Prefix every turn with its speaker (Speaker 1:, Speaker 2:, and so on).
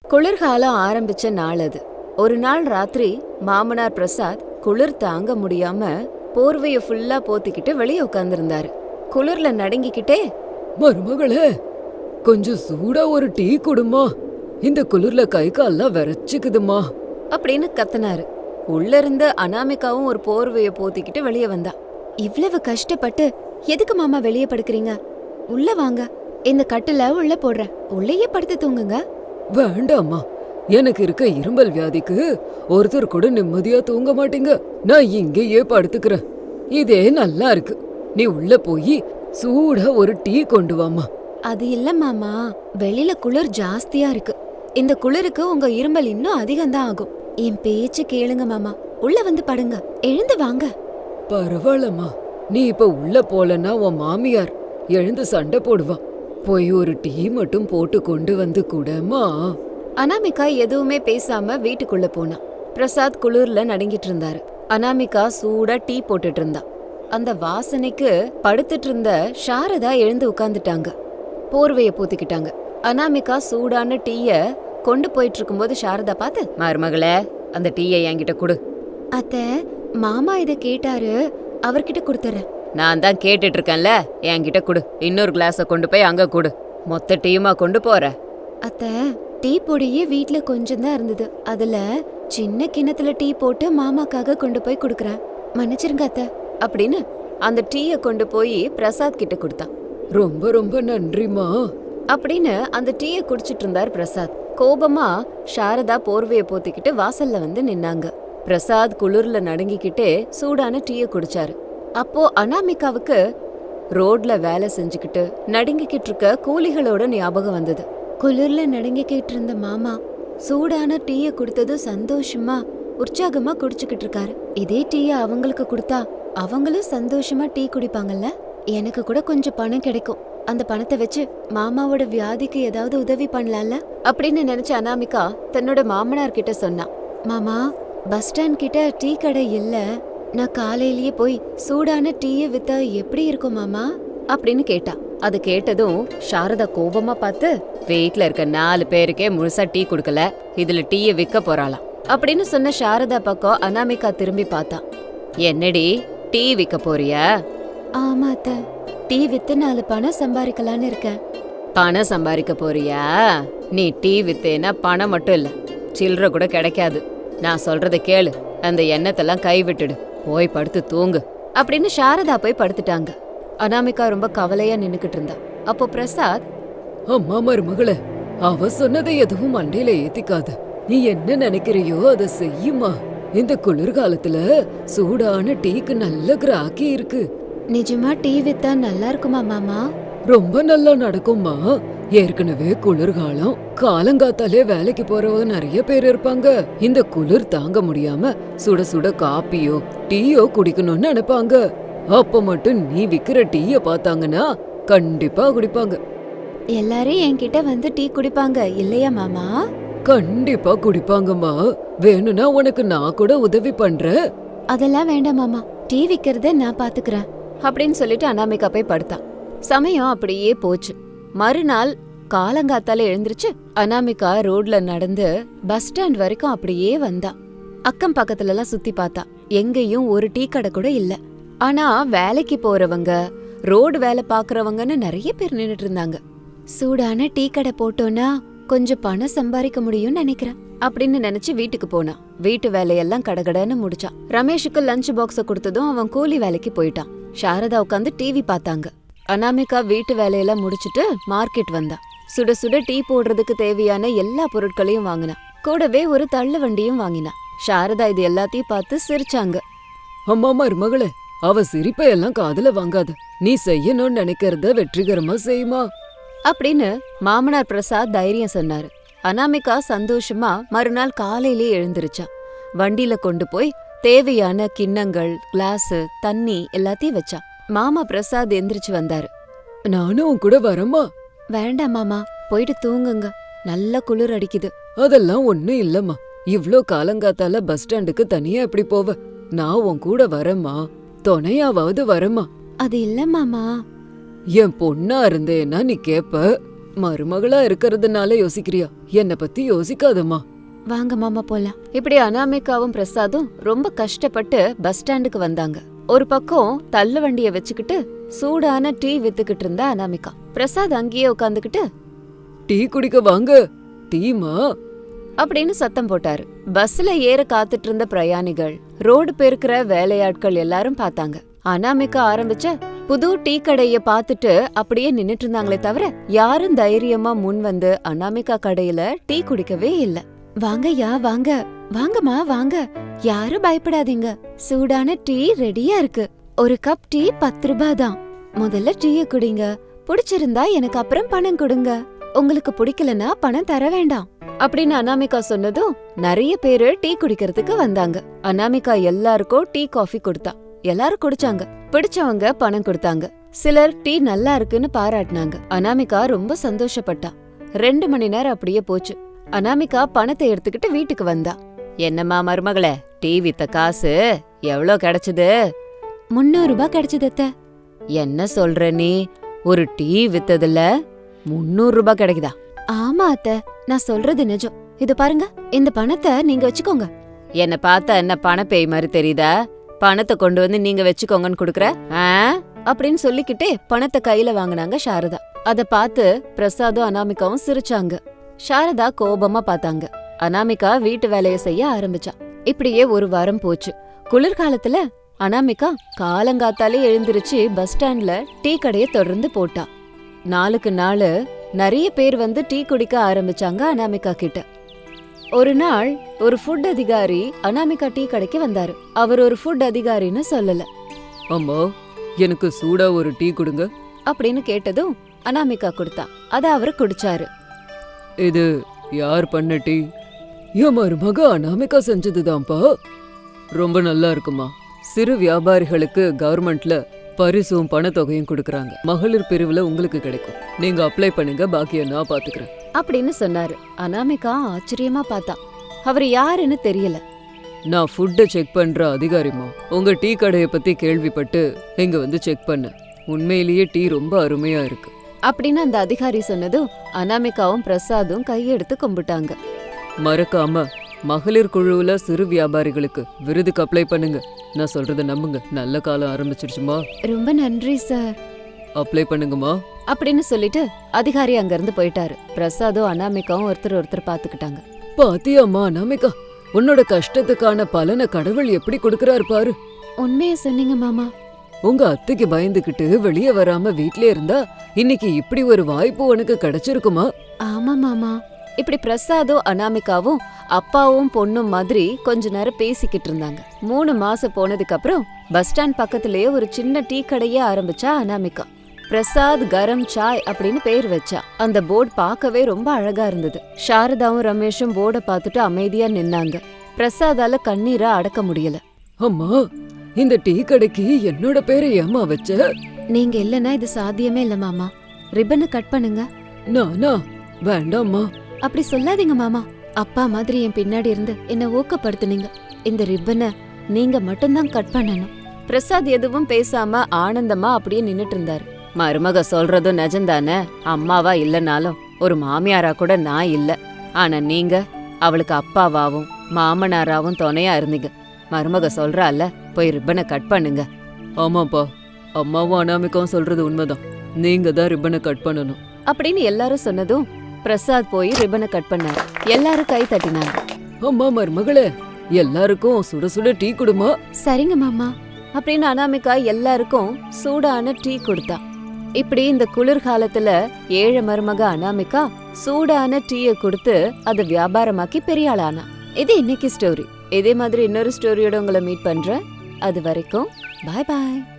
Speaker 1: குளிர்காலம் ஆரம்பிச்ச நாள் அது. ஒரு நாள் ராத்திரி மாமனார் பிரசாத் குளிர் தாங்க முடியாம போர்வைய ஃபுல்லா போத்திக்கிட்டு வெளியே உட்கார்ந்திருந்தாரு. குளிர்ல நடுங்கிக்கிட்டே,
Speaker 2: மருமகளே, கொஞ்சம் சூடா ஒரு டீ குடுமா, இந்த குளிர்ல கை கால்லாம் விரைச்சுக்குதுமா
Speaker 1: அப்படின்னு கத்துனாரு. உள்ள இருந்த அனாமிகாவும் ஒரு போர்வைய போத்திக்கிட்டு வெளியே வந்தா. இவ்வளவு கஷ்டப்பட்டு எதுக்கு மாமா வெளியே படுக்கிறீங்க? உள்ள வாங்க, இந்த கட்டுல உள்ள போடுறேன், உள்ளேயே படுத்து தூங்குங்க.
Speaker 2: வேண்டாம்மா, எனக்கு இருக்க இரும்பல் வியாதிக்கு ஒருத்தர் கூட நிம்மதியா தூங்க மாட்டீங்க. நான் இங்கேயே படுத்துக்கிறேன். இதே நல்லா இருக்கு. நீ உள்ள போய் சூடா ஒரு டீ கொண்டு வாமா.
Speaker 1: அது இல்ல மாமா, வெளியில குளிர் ஜாஸ்தியா இருக்கு. இந்த குளிருக்கு உங்க இரும்பல் இன்னும் அதிகம்தான் ஆகும். என் பேச்சு கேளுங்க மாமா, உள்ள வந்து படுங்க, எழுந்து வாங்க.
Speaker 2: பரவாயில்லம்மா, நீ இப்ப உள்ள போலன்னா உன் மாமியார் எழுந்து சண்டை போடுவா. போய் ஒரு டீ மட்டும் போட்டு கொண்டு வந்து கூடமா.
Speaker 1: அனாமிகா எதுவுமே பேசாம வீட்டுக்குள்ள போனா. பிரசாத் குளிர்ல நடுங்கிட்டு இருந்தாரு. அனாமிகா சூடா டீ போட்டுட்டு இருந்தா. அந்த வாசனைக்கு படுத்துட்டு இருந்த சாரதா எழுந்து உட்கார்ந்துட்டாங்க. போர்வைய பூத்திக்கிட்டாங்க. அனாமிகா சூடான டீய கொண்டு போயிட்டு இருக்கும்போது சாரதா பார்த்து, மருமகளே, அந்த டீயை என்கிட்ட கொடு. அத்தை, மாமா இத கேட்டாரு, அவர்கிட்ட கொடுத்துறேன். நான் தான் கேட்டுட்டு இருக்கேன்ல, என்கிட்ட கொடு. இன்னொரு கிளாஸ கொண்டு போய் அங்க கொடு. மொத்த டீயுமா கொண்டு போற? அத்தை, டீ பொடியே வீட்ல கொஞ்சம் தான் இருந்தது. அதுல சின்ன கிண்ணத்துல டீ போட்டு மாமாக்காக கொண்டு போய் கொடுக்கறேன். மன்னிச்சிருங்க அத்தை அப்படின்னு அந்த டீய கொண்டு போய் பிரசாத் கிட்ட கொடுத்தான்.
Speaker 2: ரொம்ப ரொம்ப நன்றிமா
Speaker 1: அப்படின்னு அந்த டீய குடிச்சிட்டு இருந்தார் பிரசாத். கோபமா சாரதா போர்வைய போத்திக்கிட்டு வாசல்ல வந்து நின்னாங்க. பிரசாத் குளிர்ல நடுங்கிக்கிட்டே சூடான டீய குடிச்சாரு. அப்போ அனாமிகாவுக்கு ரோட்ல வேலை செஞ்சுக்கிட்டு நடுங்கிக்கிட்டு இருக்க கூலிகளோட ஞாபகம் வந்தது. குளிர்ல நடுங்கிக்கிட்டு இருந்த மாமா சூடான டீய குடுத்தது சந்தோஷமா உற்சாகமா குடிச்சுக்கிட்டு இருக்காரு. இதே டீய அவங்களுக்கு கொடுத்தா அவங்களும் சந்தோஷமா டீ குடிப்பாங்கல்ல. எனக்கு கூட கொஞ்சம் பணம் கிடைக்கும். அந்த பணத்தை வச்சு மாமாவோட வியாதிக்கு ஏதாவது உதவி பண்ணலாம்ல அப்படின்னு நினைச்ச அனாமிகா தன்னோட மாமனார் கிட்ட சொன்னா. மாமா, பஸ் ஸ்டாண்ட் கிட்ட டீ கடை இல்ல. நான் காலையிலேயே போய் சூடான டீய வித்தா எப்படி இருக்கும் மாமா அப்படின்னு கேட்டா. அது கேட்டதும் சாரதா கோபமா பார்த்து, வீட்ல இருக்க 4 பேருக்கே முழுசா டீ குடுக்கல, இதுல டீய விற்க போறாளாம் அப்படின்னு சொன்ன சாரதா பக்கம் அனாமிகா திரும்பி பார்த்தா. என்னடி, டீ விற்க போறியா? ஆமா அத்தை, டீ வித்து 4 பணம் சம்பாதிக்கலான்னு இருக்கேன். பணம் சம்பாதிக்க போறியா? நீ டீ வித்தேன்னா பணம் மட்டும் இல்ல, சில்லற கூட கிடைக்காது. நான் சொல்றத கேளு, அந்த எண்ணத்தெல்லாம் கை விட்டுடு, போய் படுத்து தூங்கு அப்படின்னு சாரதா போய் படுத்துட்டாங்க. அனாமிகா ரொம்ப கவலையா நின்னுக்கிட்டு இருந்தா. அப்போ பிரசாத்,
Speaker 2: அம்மா மருமகளே, அவ சொன்னதை எதுவும் மண்டையில ஏத்திக்காத. நீ என்ன நினைக்கிறியோ அதை செய்யுமா. இந்த குளிர்காலத்துல சூடான டீக்கு நல்ல கிராக்கி இருக்கு.
Speaker 1: நிஜமா டீ வித்தா நல்லா இருக்குமா மாமா?
Speaker 2: ரொம்ப நல்லா நடக்கும்மா. ஏற்கனவே குளிர்காலம், காலங்காத்தாலே வேலைக்கு போறவங்க நிறைய பேர் இருப்பாங்க. இந்த குளிர் தாங்க முடியாம சுட சுட காப்பியோ டீயோ குடிக்கணும்னு நினைப்பாங்க. அப்ப மட்டும் நீ விக்கிற டீய பார்த்தாங்கன்னா கண்டிப்பா குடிப்பாங்க.
Speaker 1: எல்லாரும் என்கிட்ட வந்து டீ குடிப்பாங்க இல்லையா மாமா?
Speaker 2: கண்டிப்பா குடிப்பாங்கம்மா. வேணும்னா உனக்கு நான் கூட உதவி பண்றேன்.
Speaker 1: அதெல்லாம் வேண்டாம் மாமா, டீ விக்கிறத நான் பாத்துக்கிறேன் அப்படின்னு சொல்லிட்டு அனாமிகா போய் படுத்தான். சமயம் அப்படியே போச்சு. மறுநாள் காலங்காத்தால எழுந்திருச்சு அனாமிகா ரோட்ல நடந்து பஸ் ஸ்டாண்ட் வரைக்கும் அப்படியே வந்தா. அக்கம் பக்கத்துல எல்லாம் சுத்தி பார்த்தா. எங்கேயும் ஒரு டீ கடை கூட இல்ல. ஆனா வேலைக்கு போறவங்க, ரோடு வேலை பாக்குறவங்கன்னு நிறைய பேர் நின்னுட்டு இருந்தாங்க. சூடான டீ கடை போட்டோன்னா கொஞ்சம் பணம் சம்பாதிக்க முடியும்னு நினைக்கிறேன் அப்படின்னு நினைச்சு வீட்டுக்கு போனா. வீட்டு வேலையெல்லாம் கடகடன்னு முடிச்சான். ரமேஷுக்கு லஞ்ச் பாக்ஸ கொடுத்ததும் அவன் கூலி வேலைக்கு போயிட்டான். சாரதா உட்காந்து டிவி பார்த்தாங்க. அனாமிகா வீட்டு வேலையெல்லாம் முடிச்சிட்டு மார்க்கெட் வந்தா. சுட சுட டீ போடுறதுக்கு தேவையான எல்லா பொருட்களையும் வாங்கினா. கூடவே ஒரு தள்ளு வண்டியும் வாங்கினா. சாரதா இது எல்லாத்தையும் பார்த்து சிரிச்சாங்க.
Speaker 2: அம்மா மருமகளே, அவ சிரிப்பை எல்லாம் காதுல வாங்காத. நீ செய்யணும்னு நினைக்கிறத வெற்றிகரமா செய்யுமா
Speaker 1: அப்படின்னு மாமனார் பிரசாத் தைரியம் சொன்னாரு. அனாமிகா சந்தோஷமா மறுநாள் காலையிலே எழுந்திருச்சா. வண்டியில கொண்டு போய் தேவையான கிண்ணங்கள், கிளாஸ், தண்ணி எல்லாத்தையும் வச்சா. மாமா பிரசாத் எந்திரிச்சு வந்தாரு.
Speaker 2: நானும் உன் கூட வரமா?
Speaker 1: வேண்டாம் மாமா, போயிட்டு தூங்குங்க, நல்ல குளிர் அடிக்குது.
Speaker 2: அதெல்லாம் ஒண்ணும் இல்லம்மா. இவ்ளோ காலங்காத்தால பஸ் ஸ்டாண்டுக்கு தனியா எப்படி போவ? நான் உன் கூட வரமா, துணையாவது வரமா?
Speaker 1: அது இல்ல மாமா.
Speaker 2: என் பொண்ணா இருந்தேன்னா நீ கேப்ப. மருமகளா இருக்கறதுனால யோசிக்கிறியா? என்ன பத்தி யோசிக்காதம்மா.
Speaker 1: வாங்க மாமா போலாம். இப்படி அனாமிகாவும் பிரசாதும் ரொம்ப கஷ்டப்பட்டு பஸ் ஸ்டாண்டுக்கு வந்தாங்க. ஒரு பக்கம் தள்ளு வண்டிய வச்சுக்கிட்டு சூடான டீ வித்துக்கிட்டு இருந்த அனாமிகா. பிரசாத் அங்கேயே உட்காந்துக்கிட்டு
Speaker 2: டீ குடிக்க வாங்க. டீமா?
Speaker 1: அப்படின்னு சத்தம் போட்டாரு. பஸ்ல ஏற காத்துட்டு இருந்த பிரயாணிகள், ரோடு பெருக்கிற வேலையாட்கள் எல்லாரும் பார்த்தாங்க. அனாமிகா ஆரம்பிச்ச புது டீ கடைய பார்த்துட்டு அப்படியே நின்னுட்டு இருந்தாங்களே தவிர யாரும் தைரியமா முன் வந்து அனாமிகா கடையில டீ குடிக்கவே இல்ல. வாங்கய்யா வாங்க, வாங்கம்மா வாங்க, யாரும் பயப்படாதீங்க, சூடான டீ ரெடியா இருக்கு. ஒரு கப் டீ 10 ரூபாய் தான். முதல்ல டீய குடிங்க, பிடிச்சிருந்தா எனக்கு அப்புறம் பணம் கொடுங்க, உங்களுக்கு பிடிக்கலன்னா பணம் தர வேண்டாம் அப்படின்னு அனாமிகா சொன்னதும் நிறைய பேரு டீ குடிக்கிறதுக்கு வந்தாங்க. அனாமிகா எல்லாருக்கும் டீ காஃபி கொடுத்தா. எல்லாரும் குடிச்சாங்க. பிடிச்சவங்க பணம் கொடுத்தாங்க. சிலர் டீ நல்லா இருக்குன்னு பாராட்டினாங்க. அனாமிகா ரொம்ப சந்தோஷப்பட்டா. 2 மணி நேரம் அப்படியே போச்சு. அனாமிகா பணத்தை எடுத்துக்கிட்டு வீட்டுக்கு வந்தா. என்னம்மா மருமகளே, டீ வித்த காசு எவ்ளோ கிடைச்சது? 300 ரூபாய் கிடைச்சது அத்தை. என்ன சொல்ற நீ? ஒரு டீ வித்ததுல 300 ரூபாய் கிடைக்குதா? ஆமா அத்தை, நான் சொல்றது நிஜம். இது பாருங்க, இந்த பணத்தை நீங்க வச்சுக்கோங்க. என்ன பார்த்தா என்ன பணப்பேய் மாதிரி தெரியுதா? பணத்தை கொண்டு வந்து நீங்க வச்சுக்கோங்கன்னு குடுக்கற அப்படின்னு சொல்லிக்கிட்டே பணத்தை கையில வாங்கினாங்க சாரதா. அத பார்த்து பிரசாதும் அனாமிகாவும் சிரிச்சாங்க. சாரதா கோபமா பார்த்தாங்க. அனாமிகா வீட்டு வேலைய செய்ய ஆரம்பிச்சா. இப்படியே ஒரு வாரம் போச்சு. குளிர்காலத்துல அனாமிகா காலங்காத்தாலே எழுந்திருச்சு பஸ் ஸ்டாண்ட்ல டீ கடைய தொடர்ந்து போட்டா. நாளுக்கு நாள் நிறைய பேர் வந்து டீ குடிக்க ஆரம்பிச்சாங்க அனாமிகா கிட்ட. ஒரு நாள் ஒரு ஃபுட் அதிகாரி அனாமிகா டீ கடைக்கு வந்தாரு. அவர் ஒரு ஃபுட் அதிகாரின்னு சொல்லல.
Speaker 2: அம்மா, எனக்கு சூடா ஒரு டீ கொடுங்க
Speaker 1: அப்படின்னு கேட்டதும் அனாமிகா கொடுத்தா. அத அவரு குடிச்சாரு.
Speaker 2: இது யார் பண்ண டீ? என் மருமக அனாமிகா செஞ்சதுதான்ப்பா. ரொம்ப நல்லா இருக்குமா. சிறு வியாபாரிகளுக்கு கவர்மெண்ட்ல பரிசும் பணத்தொகையும் கொடுக்கறாங்க. மகளிர் பிரிவுல உங்களுக்கு கிடைக்கும். நீங்க அப்ளை பண்ணுங்க, பாக்கிய நான் பாத்துக்கிறேன்
Speaker 1: அப்படின்னு சொன்னாரு. அனாமிகா ஆச்சரியமா பார்த்தா. அவர் யாருன்னு தெரியல.
Speaker 2: நான் ஃபுட்டை செக் பண்ற அதிகாரிமா. உங்க டீ கடையை பத்தி கேள்விப்பட்டு இங்க வந்து செக் பண்ண. உண்மையிலேயே டீ ரொம்ப அருமையா இருக்கு
Speaker 1: அப்படின்னு அந்த அதிகாரி சொன்னதும் அனாமிகாவும் பிரசாதும் கையெடுத்து கும்பிட்டாங்க.
Speaker 2: மறக்காம மகளிர் குழுவுல சிறு வியாபாரிகளுக்கு விருதுக்கு அப்ளை பண்ணுங்க. நான் சொல்றத நம்புங்க. நல்ல காலம் ஆரம்பிச்சிருச்சுமா.
Speaker 1: ரொம்ப நன்றி சார்.
Speaker 2: அப்ளை பண்ணுங்கம்மா
Speaker 1: அப்படின்னு சொல்லிட்டு அதிகாரி அங்க இருந்து போயிட்டாரு. பிரசாதும் அனாமிகாவும் ஒருத்தர் பாத்துக்கிட்டாங்க.
Speaker 2: பாத்தியாம்மா அனாமிகா, உன்னோட கஷ்டத்துக்கான பலனை கடவுள் எப்படி கொடுக்கறாரு பாரு.
Speaker 1: உண்மைய சொன்னீங்க மாமா.
Speaker 2: உங்க அத்தைக்கு பயந்துகிட்டு வெளியே வராம வீட்லயே இருந்தா இன்னைக்கு இப்படி ஒரு வாய்ப்பு உனக்கு கிடைச்சிருக்குமா?
Speaker 1: ஆமா மாமா. இப்படி பிரசாதும் அனாமிகாவும் அப்பாவும் பொண்ணும் மாதிரி கொஞ்ச நேரம் பேசிக்கிட்டு இருந்தாங்க. 3 மாசம் போனதுக்கு அப்புறம் பஸ் ஸ்டாண்ட் பக்கத்திலேயே ஒரு சின்ன டீ கடையே ஆரம்பிச்சா அனாமிகா. பிரசாத் கரம் சாய் அப்படின்னு பேர் வச்சா. அந்த போர்டு பார்க்கவே ரொம்ப அழகா இருந்தது. சாரதாவும் ரமேஷும் போர்டை பார்த்துட்டு அமைதியா நின்னாங்க. பிரசாதால கண்ணீரை அடக்க முடியல.
Speaker 2: அம்மா, இந்த டீ கடைக்கு என்னோட பேரை ஏமா வச்ச?
Speaker 1: நீங்க இல்லனா இது சாத்தியமே இல்ல மாமா. ரிப்பனை கட் பண்ணுங்க.
Speaker 2: நானா? வேண்டாம்மா.
Speaker 1: அப்படி சொல்லாதீங்க மாமா. அப்பா மாதிரி என் பின்னாடி இருந்து என்ன ஊக்கப்படுத்துனீங்க. இந்த ரிப்பனை நீங்க மட்டும்தான் கட் பண்ணணும். பிரசாத் எதுவும் பேசாம ஆனந்தமா அப்படியே நின்னுட்டு இருந்தாரு. மருமக சொல்றதும் நிஜம்தானே. அம்மாவா இல்லனாலும் ஒரு மாமியாரா கூட நான் இல்ல. ஆனா நீங்க அவளுக்கு அப்பாவாவும் மாமனாராவும் துணையா இருந்தீங்க. மருமக சொல்றால, போய் ரிப்பனை கட் பண்ணுங்க.
Speaker 2: ஆமாப்பா, அம்மாவும் அனாமிகாவும் சொல்றது உண்மைதான். நீங்க தான் ரிப்பனை கட் பண்ணணும்
Speaker 1: அப்படின்னு எல்லாரும் சொன்னதும் பிரசாத் போய் ரிப்பனை கட் பண்ணாரு. எல்லாரும் கை தட்டினாங்க.
Speaker 2: அம்மா மருமகளே, எல்லாருக்கும் சுட சுட டீ குடுமா.
Speaker 1: சரிங்க மாமா அப்படின்னு அனாமிகா எல்லாருக்கும் சூடான டீ கொடுத்தா. இப்படி இந்த குளிர்காலத்துல ஏழை மருமக அனாமிகா சூடான டீயை கொடுத்து அதை வியாபாரமாக்கி பெரிய ஆளானா. இது இன்னைக்கு ஸ்டோரி. இதே மாதிரி இன்னொரு ஸ்டோரியோட உங்களை மீட் பண்றேன். அது வரைக்கும் பாய் பாய்.